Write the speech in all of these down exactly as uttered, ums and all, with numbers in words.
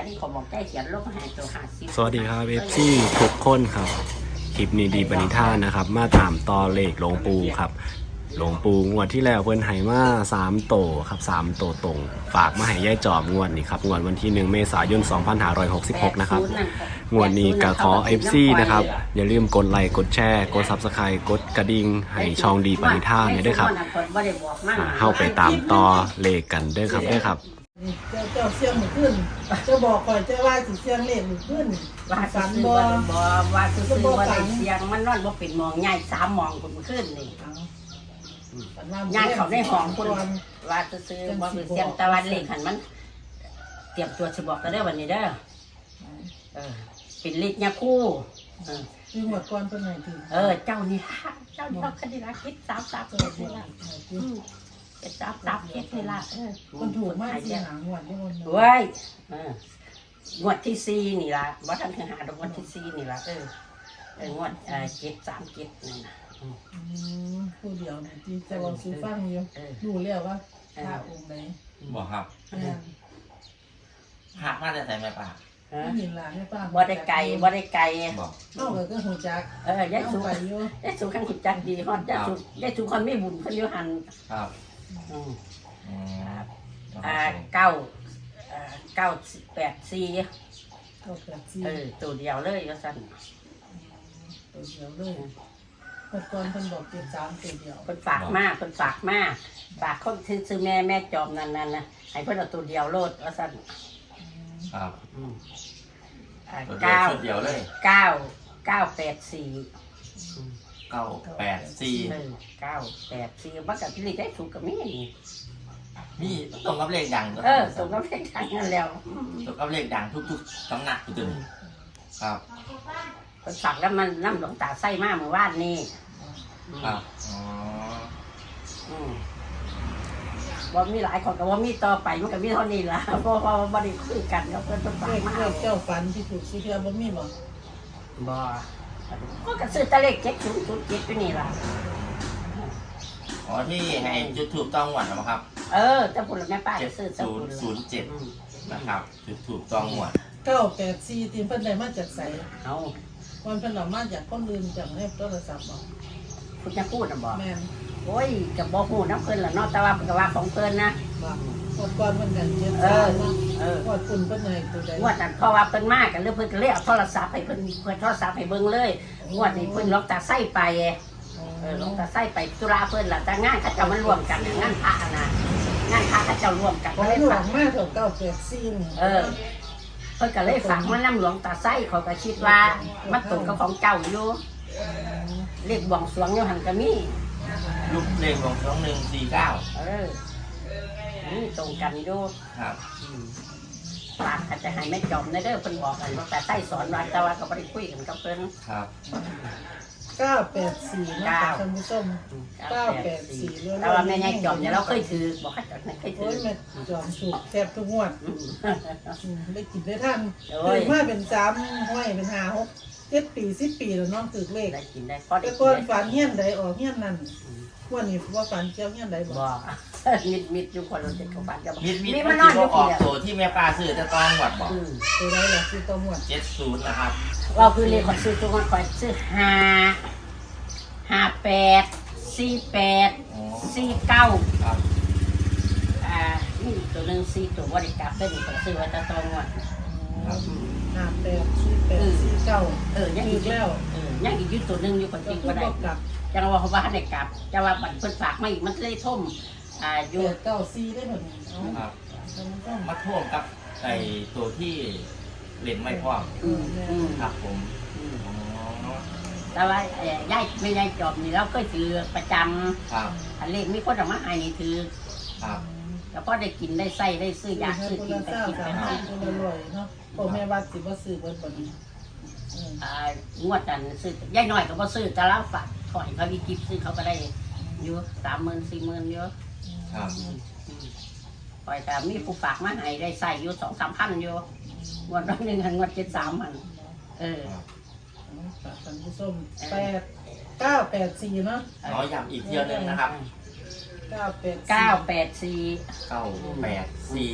ที่ขอบอกได้เขียนลบหายตัวหาสิบสวัสดีครับเอฟซีทุกคนครับคลิปนี้ดีปณิธานนะครับมาตามต่อเลขหลวงปูครับหลวงปูงวดที่แล้วเพิ่นให้มาสามโตครับสามโตตรงฝากมาให้ย่ายจอมงวดนี้ครับงวดวันที่หนึ่งเมษายนสองพันห้าร้อยหกสิบหกนะครับงวดนี้ก็ขอ เอฟ ซี นะครับอย่าลืมกดไลค์กดแชร์กด ซับสไครบ์ กดกระดิ่งให้ช่องดีปณิธานเนี่ยด้วยครับอ่าเข้าไปตามต่อเลขกันด้วยครับด้วยครับเจ้าเจ้าเสียงหมู่ขึ้นเจ้าบอกก่อนเจ้าว่าสิเสียงเล่นหมู่ขึ้นว่าฝันซื้อบ่บ่บ่ว่าซื้อบ่ได้เสียงมันนอนบ่เป็นมองง่ายสามมองคนขึ้นนี่งานเขาได้ห้องคนว่าซื้อบ่เป็นเสียงตะวันเล่นหันมันเตรียมตัวสิบอกกันได้วันนี้เด้อเออเป็นฤทธิ์ยาคู่เออคือหมดก่อนเพิ่นให้ถึงเออเจ้านี่ล่ะเจ้านี่เราคดีละคิดสามสามเจ็ดนี่ล่ะอืมเป็นสามสามเจ็ดนี่ล่ะเออคนถูกมากสิหางวดได้บ่เว้ยเอองวดที่สี่นี่ล่ะบ่ทันถึงหาดอกงวดที่สี่นี่ล่ะเออเอองวดเอ่อเจ็ดสามเจ็ดนี่นะอืมผู้เดียวนี่ที่จะลองซื้อฟังอยู่รู้แล้วว่าพระองค์ไหนบอกครับแม่นหักมาได้ใส่ไหมป่าฮะเห็นหลานให้ป้าบ่ได้ไกลบ่ได้ไกลบอกเอ้าก็ฮู้จักเออยายเอาสุไปอยู่ยายสุขันขุดจักดีฮอดยายสุยายสุคนไม่บุญเพิ่นอยู่หันครับอืมอืมอ่าเก้าเอ่อเก้าแปดสี่ก็แปดสี่เออตัวเดียวเลยว่าซั่นตัวเดียวเลยหมดก่อนเพิ่นบอกเจ็ดสามตัวเดียวเพิ่นฝากมากเพิ่นฝากมากฝากคนที่ซื้อแม่แม่จอมนั่นนั่นนะให้เพิ่นเอาตัวเดียวโลดว่าซั่นครับอืมอ่าตัวเดียวเก้าชุดเดียวเลยเก้าเก้าแปดสี่อืมเก้าแปดสี่เออเก้าแปดสี่บักกับที่ได้ถูกกับแม่นี่มีตรงกับเลขดังเออสมกับเลขทางนั้นแล้วตรงกับเลขดังทุกๆตำหนักอยู่ตัวนี้ครับเพิ่นฝากแล้วมันน้ำหลวงตาไส้มาเมื่อวานนี้ครับอ๋ออืมว่ามีหลายคนก็ว่ามีต่อไปมันก็มีเท่านี้ล่ะเพราะว่าบ่ได้คุยกันแล้วเพิ่นเพิ่นฝาเลกขมาเลขเจ้าฝันที่ถูกสิเทื่อบ่มีบ่บ่ก็กระซื้อแตะเลขเจ็ดศูนย์ศูนย์เจ็ดอยู่นี่ล่ะอ๋อที่ให้จุดถูกต้องหวดนะครับเออแต่พุ่นแม่ป้าเจ็จะดซื้อศูนย์ศูนย์เจ็ดอืมนะครับจุดถูกต้องหวดเก้าแปดสี่ที่เพิ่นได้มาจากไสเอาวันเพิ่นเอามาจากคนอื่นจากในโทรศัพท์บ่คุณจะพูดน่ะบ่แม่นโอ้ยก็บ่ฮู้นำเพิ่นล่ะเนาะแต่ว่าเพิ่นก็ว่าของเพิ่นนะบ่หมดก่อนเพิ่นกันเจ็ดเอสาอมเนาะเออหมดปุ่นเพิ่นให้ตัวใดงวดนั้นเพราะว่าเพิ่นมากันเลยเพิ่นก็เลยเอาโทรศัพท์ให้เพิ่นเพิ่นโทรศัพท์ให้เบิ่งเลยงวดนี้เพิ่นล็อกตาไส้ไปเออล็อกตาไส้ไปตุลาเพิ่นล่ะแต่งานเขาเจ้ามันรวมกันงานพระนะงานพระเขาเจ้ารวมกันขอก็เลยหลวฝากงมาเถอะเก้าแปดสี่นี่เออเพิ่นก็เลยฝากมานํหลวงตาไส้เขาก็คิดว่ามันตรงกับของเจ้าอยู่เลขบวงสรวงอยู่หั่นก็มีลูกเลขของสองหนึ่งสี่เก้าเออนี่ตรงกันอยู่ครับฝากเขาจะให้แม่จอมในเด้อเพิ่นบอกกันหลวงตาไส้สอนว่าแต่ว่าก็บ่ได้คุยกันกับเพิ่นครับเก้าแปดสี่นะท่านผู้ชม เก้าแปดสี่แต่ว่าแม่ยายจอมเนี่ยเราเคยถือบอกเขาจอมเคยถืโอ้อยแม่จอมถูกแทบทุกงวดอืมอืมได้กินได้ท่านโอ้ยถือมาเป็นสามห้อยเป็นห้าหกเจ็ดปีสิบปีแล้วน้องถือเลขได้กินได้พอได้แต่กิก่อนนฝันเฮี้ยนใดออกเฮี้ยนนั่นวันนี้ว่าฝันเจ้าเฮี้ยนใดบบ่อกมิดมิดอยู่คนเราจะเข้าบ้านจะบอกมิดมิดมีมัมาน นอนอที่ยู่อที่อกเดียวตัวที่แม่ปลาซื้อจะต้องหวดบอกอืมตัวใดล่ะคือตัวหมวดเจ็ดศูนย์นะครับเราคือเลขขอซื้อตัวก่อนซื้อห้าห้าแปดสี่แปดอ๋อสี่เก้าครับอ่านี่ตัวหนึ่งสี่ตัวบริกรรมได้หนึ่งขอซื้อไว้ตะตองก่อนครับห้าแปดสี่แปดสี่เก้าเออยังอีอีกกแล้วเออยังอีกอยู่ตัวหนึ่งอยู่คนก็จริงคือก็ได้บอกกลับจังว่าเขาว่าให้กลับจังว่าบัตรเพิ่นฝากมาอีกมันเลยท่มอ่าอแปยู่ดเก้าสี่ได้หมดเอาครับท่านผู้ชมมาท่วมกับไอตัวที่เล่นไม่พร้อมอืมอืมครับผมอืมอ๋อแต่ว่าเอ่อยายไม่ยายจอบนี่เราก็ถือประจครับำอันเลขมีคนเออกมาให้นี่ถือครับแล้วก็ได้กินได้ใส่ได้ซื้อยาซื้อคนกินละไปเจ้ากินสาไปมให้สิบคนละร้อยเนาะพ่อแม่วัดสิบ่ซื้อเบิดบ่นี้อืมอ่างวดนั้นซื้อยายน้อยก็บ่ซื้อแต่เราฝากถอยเขามีกิฟซื้อเขาก็ได้อยู่สามหมื่นสี่หมื่นเยอะครับปล่อยแต่มีผู้ฝากมาให้ได้ใส่อยู่สองสามพันอยู่งวดนั้นหนึ่งหันงวดเจ็ดสามพันเออท่านผู้ชมแปดเก้าแปดสี่เนาะน้อยย้ำอีกเที่ยวหนึงนะครับเก้าแปดเก้าแปดสี่เก้าแปดสี่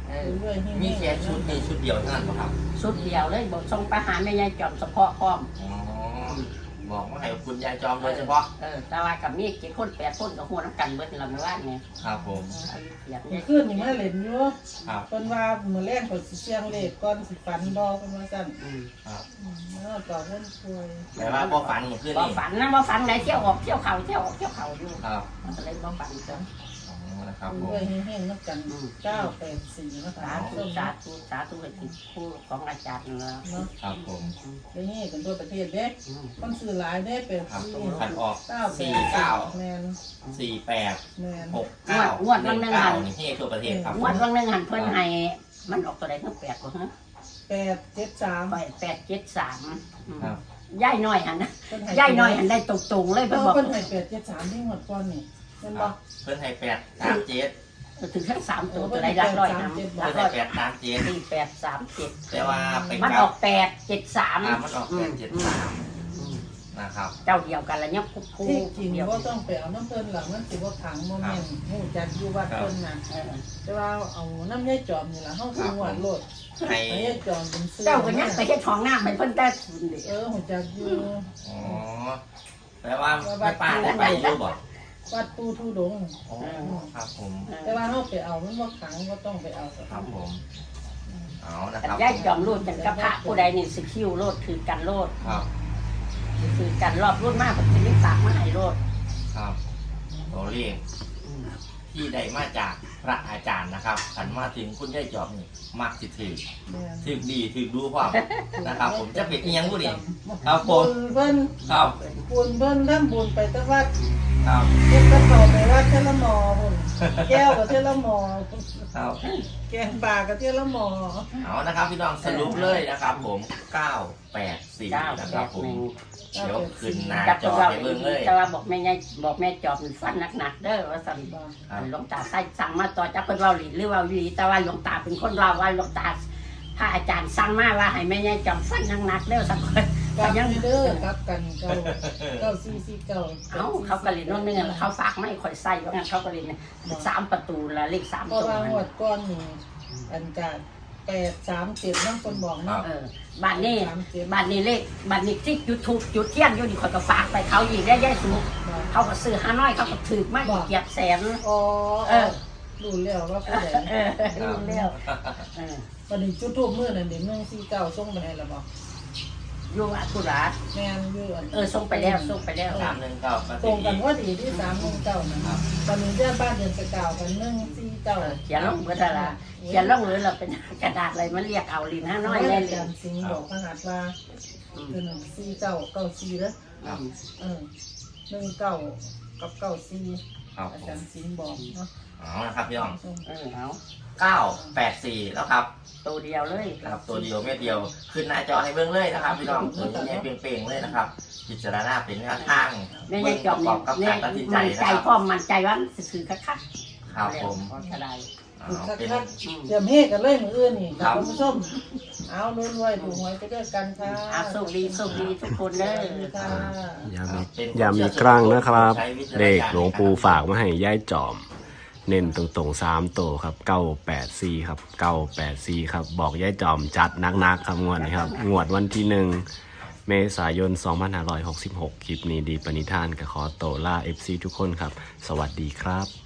เออเรื่อยๆให้มีแค่ชุดนี้ชุดเดียวเท่านั้นเหรอครับชุดเดียวเลยบอกส่งไปหาแม่ยายจอมเฉพาะพร้อมอ๋อบอกว่าให้คุณยายจอมโดยเฉพาะเออแต่ว่ากับมีกี่คนแปดคนกับหัวน้ำกันเบิดเราไม่ว่าไงครับผมอยากมันได้ขึ้นนี่มาเล่นอยู่ครับเพิ่นว่ามื้อแรกก็สิเสียงเลขก่อนสิฝันบ่เพิ่นว่าซั่นอืมครับอืมแล้วก็เพิ่นป่วยแต่ว่าพอฝันเมื่อคืนบ่นี่ฝันนะบ่ฝันไหนเที่ยวออกเที่ยวเขาเที่ยวออกเที่ยวเขาอยู่ครับมันก็เลยบ่ฝันจ้ะอ๋อนะครับผเรื่มอยๆให้ๆนับกันเก้าแปดสี่นะสาคะธุสาธุสาธุให้ถึงผู้ของอาจารย์นั่นล่ะเนาะครับผมได้เฮกันทั่วประเทศเด้อืมคนซื้อหลายเด้เป็นครับสี่ผมขันออกเก้าแปสี่ดเก้าแม่นสี่แปดแม่นหกเก้าหนึ่งเก้านี่เฮ้ทั่วประเทศครับงวดวันหนึงหันเพิ่นให้มันออกตัวใดทั้งแปดบ่ฮะแปดเจ็ดสามไปแปดเจ็ดสามครับย่ายน้อยหันนะเพิ่นให้ย่ายน้อยหันได้ตรงๆเลยเพิ่เพิ่นบอกนให้แปดเจ็ดสามที่หมดก่อนนี่เพิ่นบอกเพื่อนให้แปดสามเจ็ดถึงทั้งสามตัวตัวใดรักร้อยนะรัเพื่อก นให้ร้อยแปดสามเจ็ดสี่แปดสามเจ็ดแต่ว่าเป็นมันเก้าออกแปดเจ็ดสามอ่ามันออกแปดเจ็ดสามนะครับเจ้าเดียวกันแล้วเนี่ยคู่คู่ที่จริงเดียวว่าต้องไปเอาน้ำเพิ่นหลังมันสิว่าขังโมเมนต์หูจักอยู่วัดเพิ่นน่ะเออแต่ว่าเอาน้ำยายจอมนี่ล่ะเฮาคือหวดโลดให้ยายจอมเป็นซื้อเจ้าก็ยังไปเฮ็ดของหน้าให้เพิ่นแต่ทุนดิเออหูจักอยู่อ๋อแปลว่าไม่ป้าได้ไปอยู่บ่วัดปูทูดงอ๋อครับผมแต่ว่าเฮาไปเอามันบ่ขังบ่ต้องไปเอาครับผมเอานะแต่ครับย่ายจอมรูดกันกับพระผู้ใดนี่สิคิวโลดคือกันโลดครับคือกันรอบรุ่นมากเพิ่นสิมีฝากมาให้โลดครับตัวเลขที่ได้มาจากพระอาจารย์นะครับขันมาถึงคุณยายจอบนี่มักสิถือแม่นถือดีถือดูความนะครับ ผมจะเป็นอีหยังบุนี่ครับผบุมญเพิ่นครับบุญเพิ่นทำบุญไปแต่วัดครับเก็บกระเป๋าไปวัดเทยละหมอพุ่นแก้วกับเทยละหมอครับแกงปลากับเทยละหมอเอานะครับพี่น้องสรุปเลยนะครับ ผมเก้าแปดสี่เก้านะแปครับดผมหนึ่งเดี๋ยวขึ้นหน้าจับจตัอวเราไปเบิ่งเลยแต่ว่าบอกแม่ยายบอกแม่จอมฟันหนักๆเด้อว่าสั่นครับหลวงตาใส่สั่งมาต่อจากเพิ่นเว้าหลีหรือเว่าอยู่ดีแต่ว่าหลวงตาเป็นคนเล่าว่าหลวงตาพระอาจารย์สั่งมาว่าให้แม่ยายจอมฟันหนักๆเด้อสักคนกัก็บยังเด้อกับกันเก้าเก้าสี่สี่เก้าเอ้าเขาก็เรียนน้องนึงอะเขาฝากไม่ค่อยใส่ว่างั้นเขาก็เรียนสามประตูละเลขสามเพราะตัวว่าหวดก้อนนี่อันการแปดสามเจ็ดนั่งคนบอกเนาะเออบ้านนี้สามเจ็ดบ้านนี้เลขบ้านนี้ที่จุดถูกจุดเทียนอยู่นี่ข่อยก็ฝากไปเขาอีกได้ย่ายสูงเขาก็ซื้อห้าน้อยเขาก็ถือมากเกียบแสนอ๋อเออรู้แล้วว่าผู้ใดเออรู้แล้วเออวันนี้จุดทูบมือนั่นเดี๋ยวหนึ่งสี่เก้าส่งไปให้แล้วบอกอยู่อัคุราแม่นอยู่อันเออส่งไปแล้วส่งไปแล้วสามหนึ่งเก้ามาตรที่งกันว่าดีที่สามหนึ่งเก้านะครับตอนนี้เจ้าบ้านเดินไปเก่ากันหนึ่งสี่เก้าเขียนลงเบอร์ดาราเขียนลงเลยเราเป็นกระดาษอะไรมันเรียกเอาลินห้าน้อยได้ได้เลเลย ยสิงห์บอกพระหัตถ์ว่าคือหนึ่งสี่เก้าเก้าสี่แล้วครับเออหนึ่งเก้ากับเก้าสี่ครับอาผจาม รย์สิงห์บอกเนาะเอานะครับพี่น้องเออเอาเก้าแปดสี่แล้วครับตัวเดียวเลยครับตัวเดียวเม็ดเดียวขึ้นหน้าจอให้เบิ่งเลยนะครับพี่น้องตัวนี้เนี่ยเปล่งๆเลยนะครับพิจารณาเป็นแนวทางแม่เบิ่ยายงจปอมระกเนี่อย บกับเนี่กาย รตัดสินใจมันนะใจครับพ่อมันใจว่าสื่อคักคักครับผมก็ได้เอาเป็นเดี๋ยวเฮกันเลยมืออื่นนี่คุณผู้ชมเอาลุ้นไว้ถูกหวยไปด้วยกันค่ะอาสุขดีสุขดีทุกคนเด้อค่ะอย่ามีอย่ามีกลางนะครับ เลขหลวงปู่ฝากมาให้ย่ายจอม เน้นตรงๆสามตัวครับเก้าแปดสี่ครับเก้าแปดสี่ครับ บอกย่ายจอมจัดนักๆครับงวดนะครับ งวดวันที่หนึ่งเมษายนสองพันห้าร้อยหกสิบหกคลิปนี้ดีปณิธานกับขอโตวล่า เอฟ ซี ทุกคนครับ สวัสดีครับ